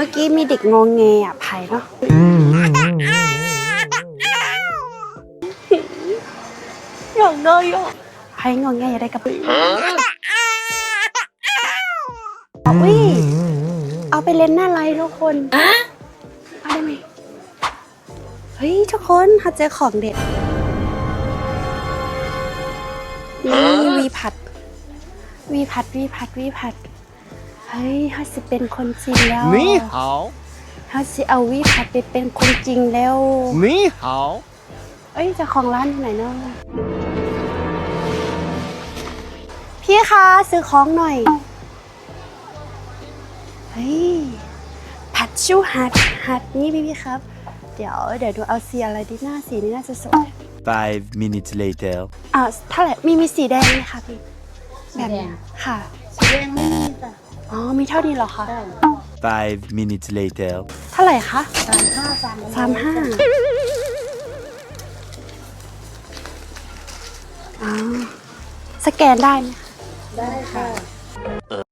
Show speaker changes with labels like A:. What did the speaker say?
A: มื่อกี้มีเด็กงงเงอ่ะไผ่เนาะหยอกเนยอ่ะไผ่งงเงอย่าได้กับอุ้ยเอาไปเล่นหน้าไลน์ทุกคนเอาได้ไหมเฮ้ยทุกคนเขาเจอของเด็ดนี่วีพัดเฮ้ยเขาสิเป็นคนจริงแล้วนี่เขาสิเอาวีพัดไปเป็นคนจริงแล้วนี่เอ้ยเจ้าของร้านที่ไหนเนาะพี่คะซื้อของหน่อยเฮ้ยผัดชูหัดนี่พี่ครับเดี๋ยวดูเอาสีอะไรดีหน้าสีนี้น่าจะสวย
B: 5 minutes later
A: เท่าไหร่มีสีแดงไหมคะพี่แบบนี้ค่ะ
C: สีแดงไม่มีจ้ะ
A: อ๋อมีเท่านี้เหรอคะ
B: 5 minutes later
A: เท่าไหร่คะ
C: 35
A: อ๋อสแกนได้ไหมคะ
C: ได้ค่ะ